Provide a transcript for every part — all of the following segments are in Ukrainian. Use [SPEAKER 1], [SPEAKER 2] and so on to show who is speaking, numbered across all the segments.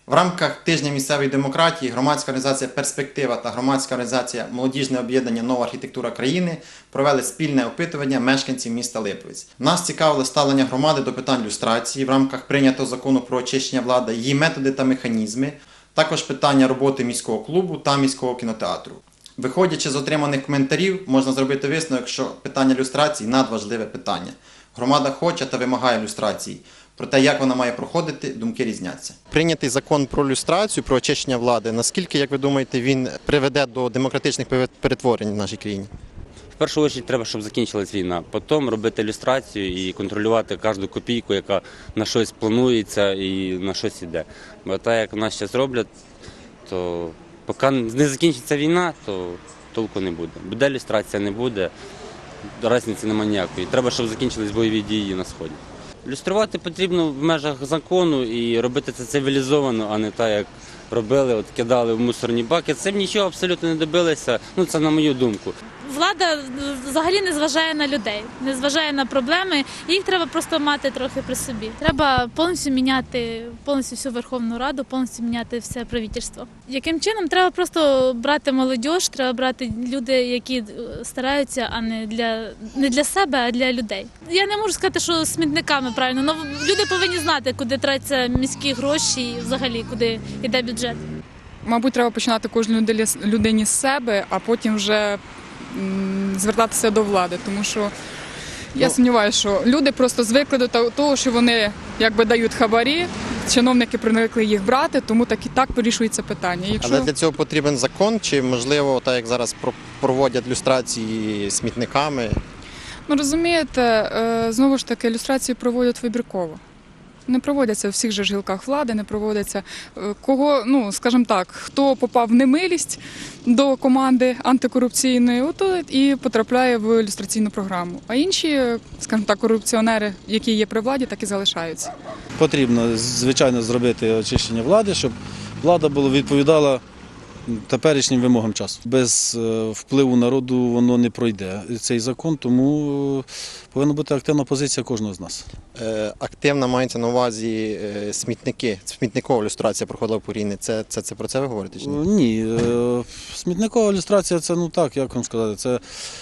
[SPEAKER 1] В рамках тижня місцевої демократії громадська організація «Перспектива» та громадська організація «Молодіжне об'єднання Нова архітектура країни» провели спільне опитування мешканців міста Липовець. Нас цікавило ставлення громади до питань люстрації в рамках прийнятого закону про очищення влади, її методи та механізми, також питання роботи міського клубу та міського кінотеатру. Виходячи з отриманих коментарів, можна зробити висновок, що питання люстрації – надважливе питання. Громада хоче та вимагає люстрації. Про те, як вона має проходити, думки різняться. Прийнятий закон про люстрацію, про очищення влади, наскільки, як ви думаєте, він приведе до демократичних перетворень в нашій країні?
[SPEAKER 2] В першу чергу треба, щоб закінчилась війна. Потім робити люстрацію і контролювати кожну копійку, яка на щось планується і на щось йде. Бо так, як нас зараз роблять, то поки не закінчиться війна, то толку не буде. Буде люстрація, не буде, різниці немає ніякої. Треба, щоб закінчились бойові дії на Сході. Люструвати потрібно в межах закону і робити це цивілізовано, а не так, як робили, от кидали в мусорні баки. Цим нічого абсолютно не добилися, це на мою думку.
[SPEAKER 3] Влада взагалі не зважає на людей, не зважає на проблеми, їх треба просто мати трохи при собі. Треба повністю міняти повністю всю Верховну Раду, повністю міняти все правительство. Яким чином? Треба просто брати молодь, треба брати люди, які стараються, а не для себе, а для людей. Я не можу сказати, що смітниками правильно, але люди повинні знати, куди тратяться міські гроші і взагалі куди йде бюджет.
[SPEAKER 4] Мабуть, треба починати кожній людині з себе, а потім вже звертатися до влади, тому що я сумніваюся, що люди просто звикли до того, що вони якби дають хабарі, чиновники привикли їх брати, тому так вирішується питання.
[SPEAKER 1] Але для цього потрібен закон, чи можливо, так як зараз проводять люстрації смітниками?
[SPEAKER 4] Розумієте, знову ж таки, люстрації проводять вибірково. Не проводяться в всіх же гілках влади, не проводяться скажімо так, хто попав в немилість до команди антикорупційної, і потрапляє в люстраційну програму. А інші, скажімо так, корупціонери, які є при владі, так і залишаються.
[SPEAKER 5] Потрібно, звичайно, зробити очищення влади, щоб влада відповідала теперішнім вимогам часу. Без впливу народу воно не пройде цей закон, тому повинна бути активна позиція кожного з нас.
[SPEAKER 1] Активна мається на увазі смітники, смітникова люстрація проходила по Рівні. Це про це ви говорите чи ні?
[SPEAKER 5] Ні, смітникова люстрація – це, як вам сказати,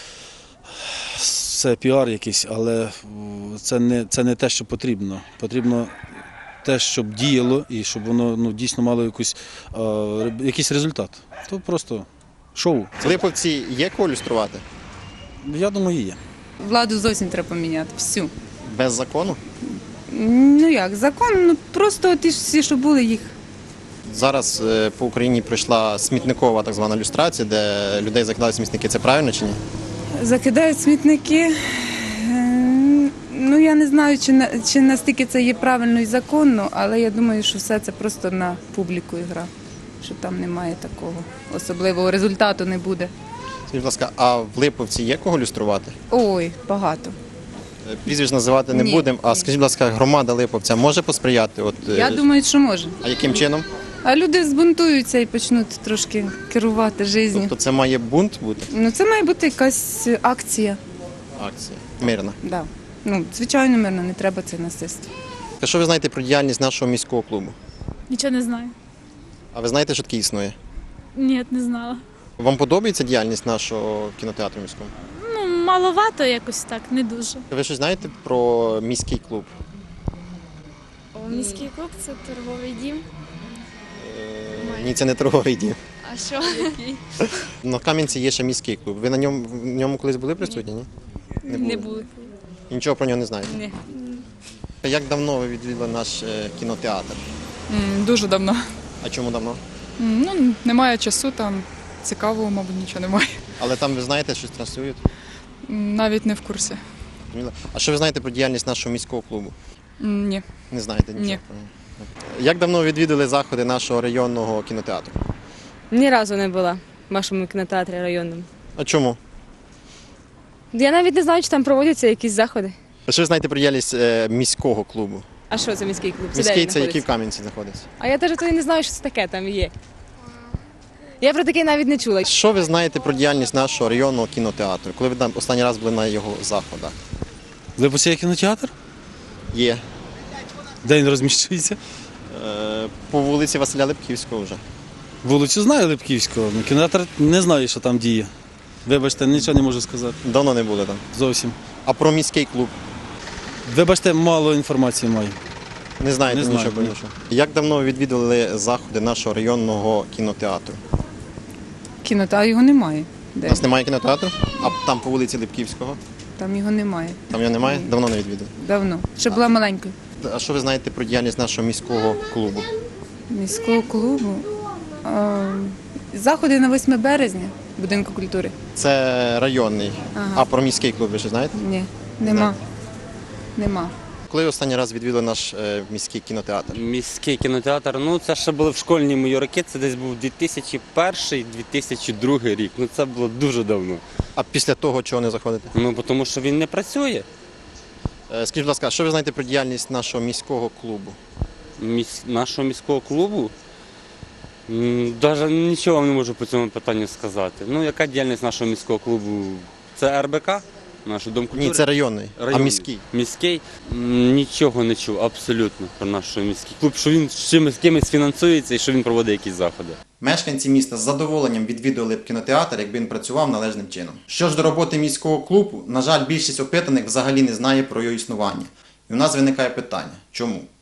[SPEAKER 5] це піар якийсь, але це не те, що потрібно. Потрібно те, щоб діяло і щоб воно дійсно мало якийсь результат. То просто шоу.
[SPEAKER 1] В Липовці є кого люструвати?
[SPEAKER 5] Я думаю, є.
[SPEAKER 6] Владу зовсім треба поміняти, всю.
[SPEAKER 1] Без закону?
[SPEAKER 6] Закон, просто ті всі, що були, їх.
[SPEAKER 1] Зараз по Україні пройшла смітникова так звана люстрація, де людей закидали смітники. Це правильно чи ні?
[SPEAKER 6] Закидають смітники. Я не знаю, чи настільки це є правильно і законно, але я думаю, що все це просто на публіку ігра, що там немає такого особливого результату не буде.
[SPEAKER 1] Скажіть, будь ласка, а в Липовці є кого люструвати?
[SPEAKER 6] Ой, багато.
[SPEAKER 1] Прізвищ називати не будемо, а скажіть, будь ласка, громада Липовця може посприяти?
[SPEAKER 6] Я думаю, що може.
[SPEAKER 1] А яким чином?
[SPEAKER 6] А люди збунтуються і почнуть трошки керувати життю.
[SPEAKER 1] Тобто це має бунт бути?
[SPEAKER 6] Це має бути якась акція.
[SPEAKER 1] Акція. Мирна.
[SPEAKER 6] Да. Звичайно, мирно, не треба це насильство.
[SPEAKER 1] А що ви знаєте про діяльність нашого міського клубу?
[SPEAKER 3] Нічого не знаю.
[SPEAKER 1] А ви знаєте, що таке існує?
[SPEAKER 3] Ні, не знала.
[SPEAKER 1] Вам подобається діяльність нашого кінотеатру міського?
[SPEAKER 3] Маловато якось так, не дуже.
[SPEAKER 1] Ви щось знаєте про міський клуб?
[SPEAKER 7] Міський клуб – це торговий дім.
[SPEAKER 1] Ні, це не торговий дім.
[SPEAKER 7] А що?
[SPEAKER 1] На Кам'янці є ще міський клуб. Ви в ньому колись були присутні, ні?
[SPEAKER 7] Не були.
[SPEAKER 1] І нічого про нього не знаєте?
[SPEAKER 7] Ні.
[SPEAKER 1] Як давно ви відвідали наш кінотеатр?
[SPEAKER 4] Дуже давно.
[SPEAKER 1] А чому давно?
[SPEAKER 4] Немає часу, там цікавого, мабуть, нічого немає.
[SPEAKER 1] Але там ви знаєте, щось транслюють?
[SPEAKER 4] Навіть не в курсі.
[SPEAKER 1] А що ви знаєте про діяльність нашого міського клубу?
[SPEAKER 4] Ні.
[SPEAKER 1] Не знаєте нічого
[SPEAKER 4] Ні.
[SPEAKER 1] про нього? Як давно відвідали заходи нашого районного кінотеатру?
[SPEAKER 8] Ні разу не була в вашому кінотеатрі районному.
[SPEAKER 1] А чому?
[SPEAKER 8] Я навіть не знаю, чи там проводяться якісь заходи.
[SPEAKER 1] А що ви знаєте про діяльність міського клубу?
[SPEAKER 8] А що це міський клуб?
[SPEAKER 1] Міський
[SPEAKER 8] де
[SPEAKER 1] це
[SPEAKER 8] він
[SPEAKER 1] який в
[SPEAKER 8] знаходиться?
[SPEAKER 1] Кам'янці знаходиться.
[SPEAKER 8] А я теж не знаю, що це таке там є. Я про таке навіть не чула.
[SPEAKER 1] Що ви знаєте про діяльність нашого районного кінотеатру? Коли ви останній раз були на його заходах?
[SPEAKER 5] В Липовці є кінотеатр?
[SPEAKER 1] Є.
[SPEAKER 5] Де він розміщується?
[SPEAKER 1] По вулиці Василя Липківського вже.
[SPEAKER 5] Вулицю знаю Липківського, але кінотеатр не знаю, що там діє. Вибачте, нічого не можу сказати.
[SPEAKER 1] Давно не були там.
[SPEAKER 5] Зовсім.
[SPEAKER 1] А про міський клуб?
[SPEAKER 5] Вибачте, мало інформації маю.
[SPEAKER 1] Не знаєте
[SPEAKER 5] Не знаю,
[SPEAKER 1] нічого про
[SPEAKER 5] ні.
[SPEAKER 1] нічого. Як давно відвідували заходи нашого районного кінотеатру?
[SPEAKER 6] Кінотеатру його немає.
[SPEAKER 1] У
[SPEAKER 6] Де?
[SPEAKER 1] нас немає кінотеатру? А там по вулиці Липківського?
[SPEAKER 6] Там його немає.
[SPEAKER 1] Там його немає? Давно не відвідували.
[SPEAKER 6] Давно. Ще була маленькою.
[SPEAKER 1] А що ви знаєте про діяльність нашого міського клубу?
[SPEAKER 6] Міського клубу. Заходи на 8 березня будинку культури.
[SPEAKER 1] Це районний.
[SPEAKER 6] Ага.
[SPEAKER 1] А про міський клуб ви ще знаєте?
[SPEAKER 6] Ні, нема. Нема.
[SPEAKER 1] Коли останній раз відвідали наш міський кінотеатр?
[SPEAKER 2] Міський кінотеатр, ну це ще були в школьні мої роки, це десь був 2001-2002 рік. Ну це було дуже давно.
[SPEAKER 1] А після того чого не заходите?
[SPEAKER 2] Ну тому що він не працює.
[SPEAKER 1] Скажіть, будь ласка, що ви знаєте про діяльність нашого міського клубу?
[SPEAKER 2] Нашого міського клубу. Навіть нічого вам не можу по цьому питанню сказати. Ну, яка діяльність нашого міського клубу? Це РБК, наш Дом культури?
[SPEAKER 1] Ні, це районний, а
[SPEAKER 2] Районний.
[SPEAKER 1] міський.
[SPEAKER 2] Міський? Нічого не чув абсолютно про наш міський клуб, що він з кимось фінансується і що він проводить якісь заходи.
[SPEAKER 1] Мешканці міста з задоволенням відвідували б кінотеатр, якби він працював належним чином. Що ж до роботи міського клубу, на жаль, більшість опитаних взагалі не знає про його існування. І у нас виникає питання – чому?